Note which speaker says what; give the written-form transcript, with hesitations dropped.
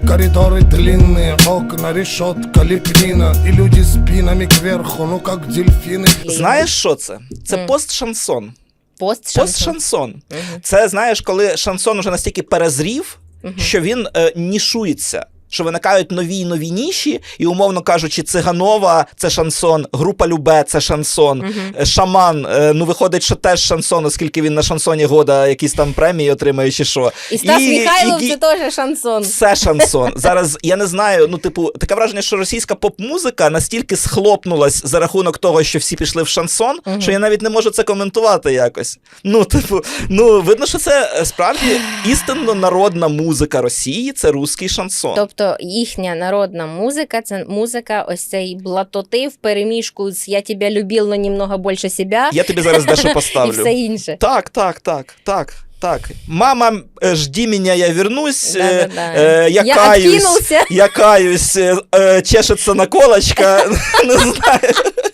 Speaker 1: коридоры длинные, окна, решетка, лепнина. И люди спинами кверху, ну как дельфины.
Speaker 2: Знаєш, що це? Це пост-шансон.
Speaker 3: Пост-шансон.
Speaker 2: Пост-шансон. Це, знаєш, коли шансон уже настільки перезрів, що він нішується. Що виникають нові і нові ніші, і, умовно кажучи, Циганова – це шансон, група Любе – це шансон, Шаман, ну, виходить, що теж шансон, оскільки він на шансоні года якісь там премії отримає, чи що.
Speaker 3: І Стас Михайлов – це теж шансон.
Speaker 2: Все шансон. Зараз, я не знаю, ну, типу, таке враження, що російська поп-музика настільки схлопнулась за рахунок того, що всі пішли в шансон, що я навіть не можу це коментувати якось. Ну, типу, ну, видно, що це справді істинно народна музика Росії – це русський шансон.
Speaker 3: Тобто їхня народна музика – це музика ось цей блатоти в переміжку з «Я тебя любил, но немного больше себя».
Speaker 2: Я тобі зараз дещо поставлю.
Speaker 3: І все інше.
Speaker 2: Так. Мама, жди меня, я вернусь.
Speaker 3: Я
Speaker 2: я каюсь, чешется наколочка. Не знаю.